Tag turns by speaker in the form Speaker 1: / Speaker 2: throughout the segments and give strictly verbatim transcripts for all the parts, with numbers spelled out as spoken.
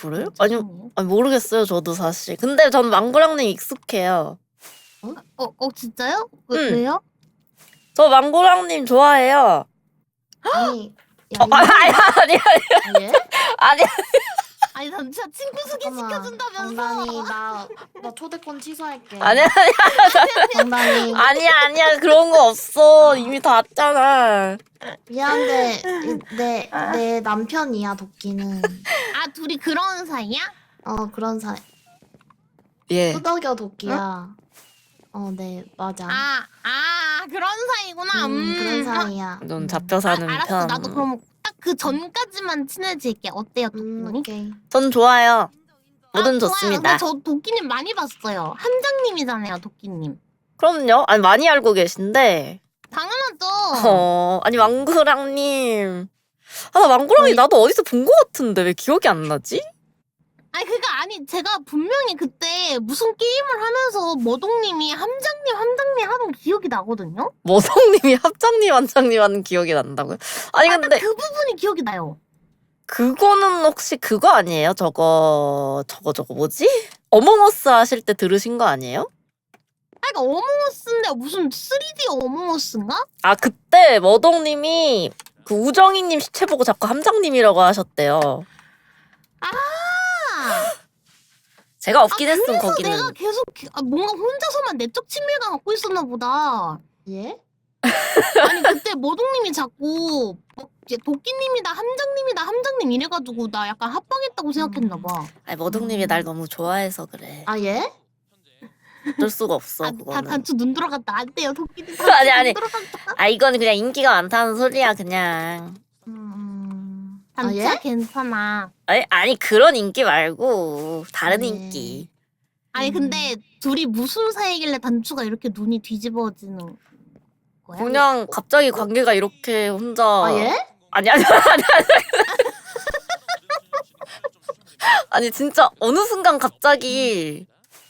Speaker 1: 그래요? 아니, 아니 모르겠어요 저도 사실. 근데 전 망고랑님 익숙해요.
Speaker 2: 어? 어, 어 진짜요? 왜,
Speaker 1: 응.
Speaker 2: 왜요?
Speaker 1: 저 망고랑님 좋아해요.
Speaker 3: 아니, 야,
Speaker 1: 어, 아니 아니 아니
Speaker 3: 아, 예?
Speaker 1: 아니.
Speaker 2: 아니 난 진짜 친구 소개시켜준다면서.
Speaker 3: 장난이 나, 나 초대권 취소할게.
Speaker 1: 아니 아니
Speaker 3: 장난이.
Speaker 1: 아니야 아니야 그런 거 없어. 이미 다 왔잖아.
Speaker 3: 미안한데 내, 내 남편이야 도끼는.
Speaker 2: 아 둘이 그런 사이야?
Speaker 3: 어 그런 사이.
Speaker 1: 예.
Speaker 3: 후덕여 도끼야. 어, 네 맞아.
Speaker 2: 아, 아 그런 사이구나.
Speaker 3: 음,
Speaker 2: 음,
Speaker 3: 그런
Speaker 2: 아,
Speaker 3: 사이야.
Speaker 1: 좀
Speaker 3: 음.
Speaker 1: 잡혀 사는
Speaker 2: 아, 알았어.
Speaker 1: 편.
Speaker 2: 나도 그럼 딱 그 전까지만 친해질게. 어때요,
Speaker 3: 음,
Speaker 2: 도끼님?
Speaker 3: 오케이.
Speaker 1: 전 좋아요. 뭐든
Speaker 2: 아,
Speaker 1: 좋습니다.
Speaker 2: 좋아요. 근데 저 도끼님 많이 봤어요. 함장님이잖아요, 도끼님.
Speaker 1: 그럼요. 아니 많이 알고 계신데.
Speaker 2: 당연하죠.
Speaker 1: 어 아니 망구랑님. 아 나 망구랑이
Speaker 2: 저희-
Speaker 1: 나도 어디서 본 거 같은데 왜 기억이 안 나지?
Speaker 2: 아니 그니까 아니 제가 분명히 그때 무슨 게임을 하면서 머동님이 함장님 함장님 하던 기억이 나거든요.
Speaker 1: 머성님이 합장님 완장님 하는 기억이 난다고요? 아니
Speaker 2: 아,
Speaker 1: 근데
Speaker 2: 그 부분이 기억이 나요.
Speaker 1: 그거는 혹시 그거 아니에요? 저거 저거 저거 뭐지? 어몽어스 하실 때 들으신 거 아니에요?
Speaker 2: 아 그니까 어몽어스인데 무슨 쓰리디 어몽어스인가?
Speaker 1: 아 그때 머동님이 그 우정이님 시체 보고 자꾸 함장님이라고 하셨대요.
Speaker 2: 아,
Speaker 1: 제가 없긴
Speaker 2: 아,
Speaker 1: 했음
Speaker 2: 그래서
Speaker 1: 거기는.
Speaker 2: 내가 계속 기- 아, 뭔가 혼자서만 내적 친밀감 갖고 있었나 보다.
Speaker 3: 예?
Speaker 2: 아니 그때 머동님이 자꾸 뭐, 이제 도끼님이다 함장님이다 함장님 이래가지고 나 약간 합방했다고 생각했나 봐.
Speaker 1: 아니 머동님이 날 너무 좋아해서 그래.
Speaker 3: 아 예?
Speaker 1: 어쩔 수가 없어
Speaker 2: 아, 다
Speaker 1: 그거는.
Speaker 2: 단추 눈 들어갔다. 안 돼요 도끼님.
Speaker 1: 아니, 아니.
Speaker 2: 눈 들어갔다.
Speaker 1: 아 이거는 그냥 인기가 많다는 소리야 그냥.
Speaker 3: 음. 아
Speaker 2: 단추야
Speaker 3: 예?
Speaker 2: 괜찮아.
Speaker 1: 아니, 아니 그런 인기 말고 다른
Speaker 3: 네.
Speaker 1: 인기.
Speaker 2: 아니
Speaker 3: 음.
Speaker 2: 근데 둘이 무슨 사이길래 단추가 이렇게 눈이 뒤집어지는 거야?
Speaker 1: 그냥 갑자기 관계가 이렇게 혼자.
Speaker 3: 아 예?
Speaker 1: 아니 아니 아니 아니. 아니 진짜 어느 순간 갑자기.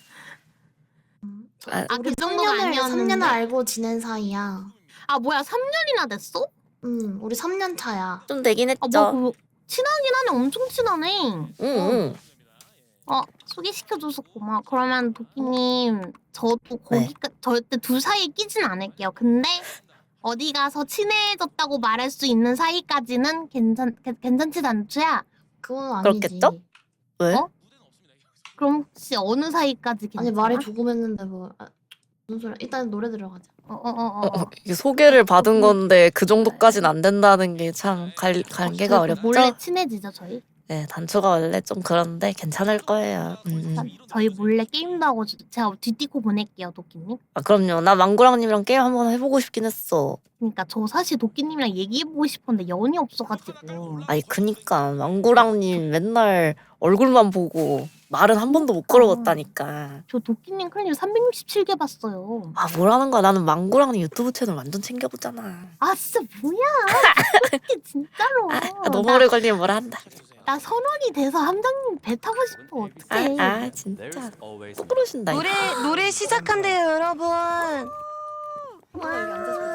Speaker 1: 아,
Speaker 2: 아, 그
Speaker 3: 우리
Speaker 2: 정도가
Speaker 3: 삼 년을
Speaker 2: 아니었는데?
Speaker 3: 삼 년을 알고 지낸 사이야.
Speaker 2: 아 뭐야 삼 년이나 됐어?
Speaker 3: 음, 우리 삼 년 차야.
Speaker 1: 좀 되긴 했죠.
Speaker 2: 아뭐 그 친하긴 하네. 엄청 친하네.
Speaker 1: 응, 응.
Speaker 2: 어 소개시켜줘서 고마워. 그러면 도끼님 저도 거기까 절대 둘 사이에 끼진 않을게요. 근데 어디 가서 친해졌다고 말할 수 있는 사이까지는 괜찮 괜- 괜찮지 단추야?
Speaker 3: 그건 아니지.
Speaker 1: 그렇겠죠? 왜?
Speaker 2: 어? 그럼 혹시 어느 사이까지 괜찮아?
Speaker 3: 아니 말이 조금 했는데 뭐 아, 무슨 소리야? 일단 노래 들어가자.
Speaker 2: 어어어 어,
Speaker 1: 어,
Speaker 2: 어, 어.
Speaker 1: 이게 소개를 받은 건데 그 정도까지는 안 된다는 게 참 관계가
Speaker 2: 그래도
Speaker 1: 어렵죠?
Speaker 2: 몰래 친해지죠 저희?
Speaker 1: 네, 단초가 원래 좀 그런데 괜찮을 거예요. 음. 음.
Speaker 2: 저희 몰래 게임도 하고 저- 제가 뒤띠고 보낼게요 도끼님.
Speaker 1: 아, 그럼요. 나 망고랑님이랑 게임 한번 해보고 싶긴 했어.
Speaker 2: 그러니까 저 사실 도끼님이랑 얘기해보고 싶었는데 연이 없어가지고.
Speaker 1: 아니, 그니까. 망고랑님 맨날 얼굴만 보고 말은 한 번도 못 걸어봤다니까.
Speaker 2: 저 도끼님 클립 삼백육십칠 개 봤어요.
Speaker 1: 아, 뭐라는 거야. 나는 망고랑님 유튜브 채널 완전 챙겨보잖아.
Speaker 2: 아 진짜 뭐야? 이게 진짜로.
Speaker 1: 아, 너무
Speaker 2: 나,
Speaker 1: 오래 걸리면 뭐라 한다.
Speaker 2: 나 선원이 돼서 함장님 배 타고 싶어.
Speaker 1: 아,
Speaker 2: 어떡해.
Speaker 1: 아 진짜. 또 그러신다. 이거.
Speaker 4: 노래 노래 시작한대요, 여러분.
Speaker 3: 여기 앉아서